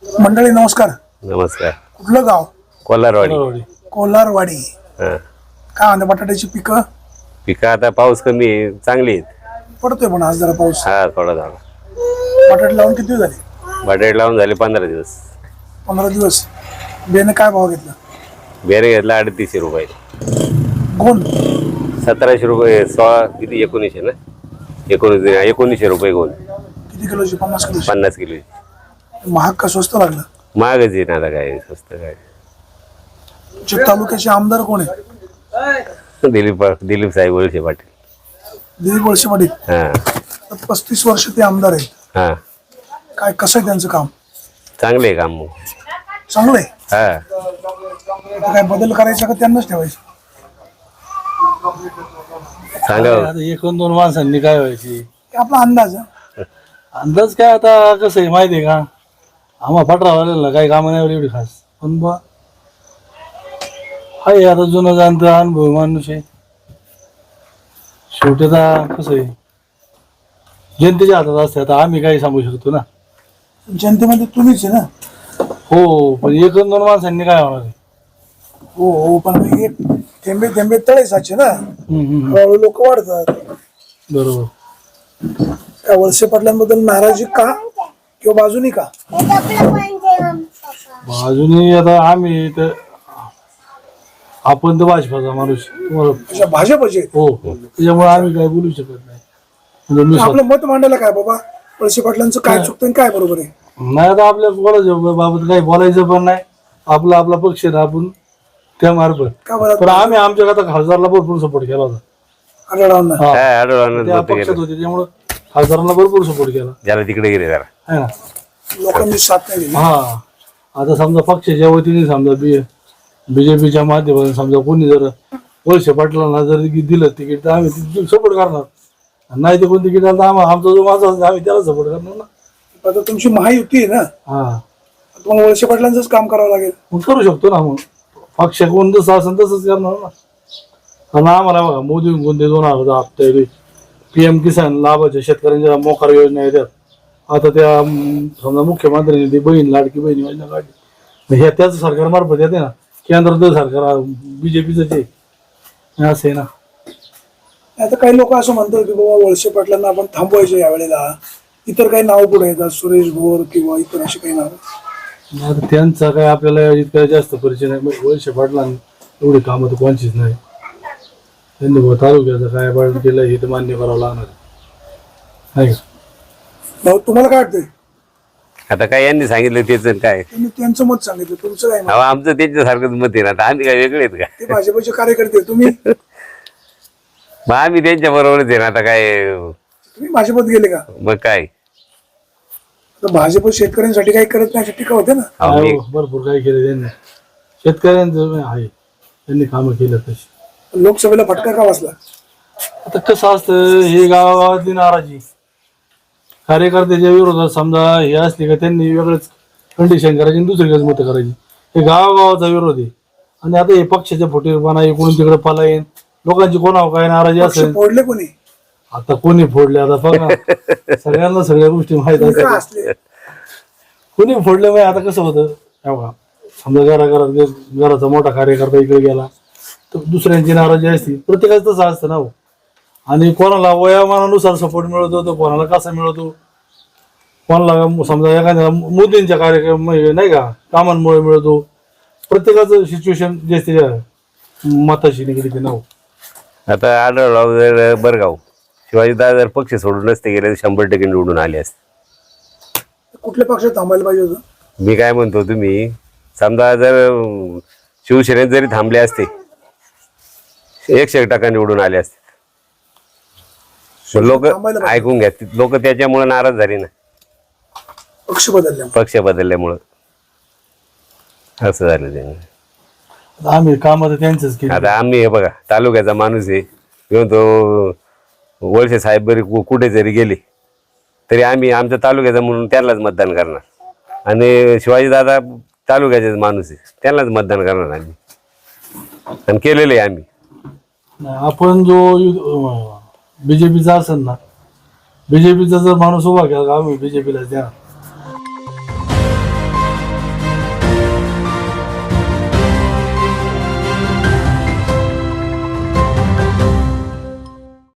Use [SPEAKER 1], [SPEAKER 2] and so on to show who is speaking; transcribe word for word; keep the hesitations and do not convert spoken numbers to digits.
[SPEAKER 1] मंडळी नमस्कार.
[SPEAKER 2] नमस्कार.
[SPEAKER 1] कुठलं गाव?
[SPEAKER 2] कोलारवाडी.
[SPEAKER 1] कोलारवाडी.
[SPEAKER 2] हा.
[SPEAKER 1] काय म्हणते बटाट्याची पिकं?
[SPEAKER 2] पिकं आता पाऊस कमी आहे, चांगली आहेत.
[SPEAKER 1] पडतोय पण आज जरा पाऊस.
[SPEAKER 2] हा थोडा झाला.
[SPEAKER 1] बटाटे लावून किती दिवस झाले?
[SPEAKER 2] बटाटे लावून झाले पंधरा दिवस.
[SPEAKER 1] पंधरा दिवस. बेने काय भाव घेतला?
[SPEAKER 2] बेरे घेतला अडतीसशे रुपये.
[SPEAKER 1] गोंड
[SPEAKER 2] सतराशे रुपये. सोळा किती एकोणीसशे ना एकोणीस एकोणीसशे रुपये गोंड.
[SPEAKER 1] किती किलोची? पन्नास किलो.
[SPEAKER 2] पन्नास किलो.
[SPEAKER 1] महाग का स्वस्त लागलं?
[SPEAKER 2] महागच आहे ना आता, काय स्वस्त काय.
[SPEAKER 1] चित तालुक्याचे आमदार कोण आहे?
[SPEAKER 2] दिलीप दिलीप साहेब वळसे पाटील.
[SPEAKER 1] दिलीप वळसे पाटील.
[SPEAKER 2] हा.
[SPEAKER 1] पस्तीस वर्ष ते आमदार आहेत.
[SPEAKER 2] हा.
[SPEAKER 1] काय कसं आहे त्यांचं काम?
[SPEAKER 2] चांगलं आहे काम. मग
[SPEAKER 1] चांगलं आहे.
[SPEAKER 2] हा.
[SPEAKER 1] आता काय बदल करायचा का त्यांनाच ठेवायचं?
[SPEAKER 2] सांगा.
[SPEAKER 3] आता एकूण दोन माणसांनी काय व्हायची?
[SPEAKER 1] आपला अंदाज.
[SPEAKER 3] अंदाज काय आता कसं आहे माहिती आहे का, आम्हा पटरावाल्याला काही कामं नाही एवढी खास, पण बा हाय आता जुनं जाणतं अनुभव माणूस आहे. शेवटी आता कसं आहे जनतेच्या हातात असते. आता आम्ही काही सांगू शकतो ना.
[SPEAKER 1] जनतेमध्ये तुम्हीच आहे ना.
[SPEAKER 3] हो, पण एकूण दोन माणसांनी काय होणार आहे?
[SPEAKER 1] हो हो, पण मग एक थेंबे थेंबे तळे साचे ना.
[SPEAKER 3] हम्म, हम्म,
[SPEAKER 1] हळूहळू लोक वाढतात.
[SPEAKER 3] बरोबर.
[SPEAKER 1] त्या वळसे पाटलांबद्दल नाराजी का किंवा बाजूनी का?
[SPEAKER 3] अजूनही आता आम्ही तर आपण तर भाजपाचा माणूस तुम्हाला.
[SPEAKER 1] अशा भाजपचे.
[SPEAKER 3] हो हो, त्याच्यामुळे आम्ही काही बोलू शकत नाही. म्हणजे मी
[SPEAKER 1] आपलं मत मांडायला काय बाबा, वळसे पाटलांचं काय चुकतं आणि काय बरोबर आहे?
[SPEAKER 3] नाही आता आपल्या बोलायचं बाबत काही बोलायचं पण नाही. आपला आपला पक्ष आहे, आपण त्या मार्फत.
[SPEAKER 1] का बरं?
[SPEAKER 3] पण आम्ही आमच्या आता खासदारला भरपूर सपोर्ट केला होता.
[SPEAKER 1] आढळरावांना.
[SPEAKER 3] हा.
[SPEAKER 2] काय आढळून
[SPEAKER 3] त्या पक्षात होते त्यामुळे खासदारांना भरपूर सपोर्ट केला
[SPEAKER 2] ज्याला तिकडे गेले जरा.
[SPEAKER 3] है ना.
[SPEAKER 1] लोकांनी साथ नाही दिली.
[SPEAKER 3] हा. आता समजा पक्षाच्या वतीने समजा बी बीजेपीच्या माध्यमातून समजा कोणी जर वळसे पाटलांना जर दिलं तिकीट तर आम्ही सपोर्ट करणार. नाही ते कोण तिकीट आलं तर आम्हा आमचा जो माझा आम्ही त्याला सपोर्ट करणार ना.
[SPEAKER 1] आता तुमची महायुती आहे ना,
[SPEAKER 3] हा.
[SPEAKER 1] तुम्हाला वळसे पाटलांचंच काम करावं लागेल.
[SPEAKER 3] मग करू शकतो ना. मग पक्ष कोण जसं असेल तसंच करणार ना. कारण आम्हाला बघा मोदी कोणते दोन हजार हप्ते पी एम किसान लाभाच्या शेतकऱ्यांच्या मोकार योजना येतात. आता त्या समजा मुख्यमंत्र्यांनी ती बहीण लाडकी बहीण योजना काढली. ह्या त्याच सरकारमार्फत येते ना. केंद्राचं सरकार बीजेपीच आहे. असं आहे ना.
[SPEAKER 1] आता काही लोक असं म्हणतात की बाबा वळसे पाटलांना आपण थांबवायचे यावेळेला. इतर काही नाव पुढे येतात, सुरेश भोर किंवा इतर अशी काही नाव.
[SPEAKER 3] आता त्यांचा काय आपल्याला इतका जास्त परिचय नाही. वळसे पाटलांनी एवढी कामं तर कोणचीच नाही. त्यांनी बुवा तालुक्याचं काय पाठ केलं हे तर मान्य करावं लागणार आहे का.
[SPEAKER 1] भाऊ तुम्हाला काय वाटतंय?
[SPEAKER 2] आता काय यांनी सांगितलं तेच काय.
[SPEAKER 1] त्यांनी त्यांचं मत सांगितलं, तुमचं काय मत?
[SPEAKER 2] अहो, आमचं त्यांच्यासारखंच मत आहे ना. आता आम्ही काय वेगळे आहेत का?
[SPEAKER 1] ते भाजपचे कार्यकर्ते, तुम्ही
[SPEAKER 2] मग आम्ही त्यांच्या बरोबरच आहे ना. आता काय
[SPEAKER 1] तुम्ही भाजपत गेले का?
[SPEAKER 2] मग काय.
[SPEAKER 1] तर भाजप शेतकऱ्यांसाठी काही करत नाही अशी टीका होते ना.
[SPEAKER 2] अहो, मी-
[SPEAKER 3] हो, भरपूर काय केलं त्यांनी. शेतकऱ्यांचं आहे त्यांनी कामं केलं तशी.
[SPEAKER 1] लोकसभेला फटका का बसला?
[SPEAKER 3] आता कसं असतं हे गावागावातली नाराजी कार्यकर्त्याच्या विरोधात समजा हे असले का त्यांनी वेगळंच कंडिशन करायची आणि दुसरीकडेच मतं करायची. हे गावागावाचा विरोध आहे. आणि आता हे पक्षाच्या फुटीरपणा इकडून तिकडे पलायन लोकांची कोणावर काय नाराजी
[SPEAKER 1] पक्ष
[SPEAKER 3] असेल.
[SPEAKER 1] फोडले कोणी?
[SPEAKER 3] आता कोणी फोडले आता बघा सगळ्यांना सगळ्या गोष्टी माहित
[SPEAKER 1] तुम्ही का
[SPEAKER 3] असतात.
[SPEAKER 1] असले?
[SPEAKER 3] कोणी फोडलं माहिती. आता कसं होतं बघा समजा घराघरात घराचा मोठा कार्यकर्ता इकडे गेला तर दुसऱ्यांची नाराजी असते. प्रत्येकाचं तसं असतं ना हो. आणि कोणाला वयामानानुसार सपोर्ट मिळतो तर कोणाला कसा मिळतो. कोणाला समजा एखाद्या मोदींच्या कार्यक्रम नाही का कामांमुळे मिळतो. प्रत्येकाचं सिच्युएशन जे असते मताशी निगडीत ना हो.
[SPEAKER 2] आता आढळराव जर बरगाव शिवाजीदादा जर पक्ष सोडून नसते गेले तर शंभर टक्के निवडून आले असते.
[SPEAKER 1] कुठल्या पक्षात थांबायला पाहिजे होतं?
[SPEAKER 2] मी काय म्हणतो, तुम्ही समजा जर शिवसेनेत जरी थांबले असते एकशे टक्का निवडून आले असते. लोक
[SPEAKER 1] थांबायला पाहिजे.
[SPEAKER 2] ऐकून घ्या, लोक त्याच्यामुळे नाराज झाले ना.
[SPEAKER 1] पक्ष बदलल्या.
[SPEAKER 2] पक्ष बदलल्यामुळं असं झालं त्यांनी.
[SPEAKER 3] आता आम्ही कामं तर त्यांचंच केली.
[SPEAKER 2] आता आम्ही हे बघा तालुक्याचा माणूस आहे किंवा तो वळसे साहेब बरी कु- कुठे जरी गेले तरी आम्ही आमच्या तालुक्याचा म्हणून त्यांनाच मतदान करणार. आणि शिवाजीदादा तालुक्याचेच माणूस आहे, त्यांनाच मतदान करणार आम्ही. आणि केलेलं आहे आम्ही.
[SPEAKER 3] नाही, आपण जो बीजेपीचा असेल ना बीजेपीचा जर माणूस उभा केला आम्ही बीजेपीला द्या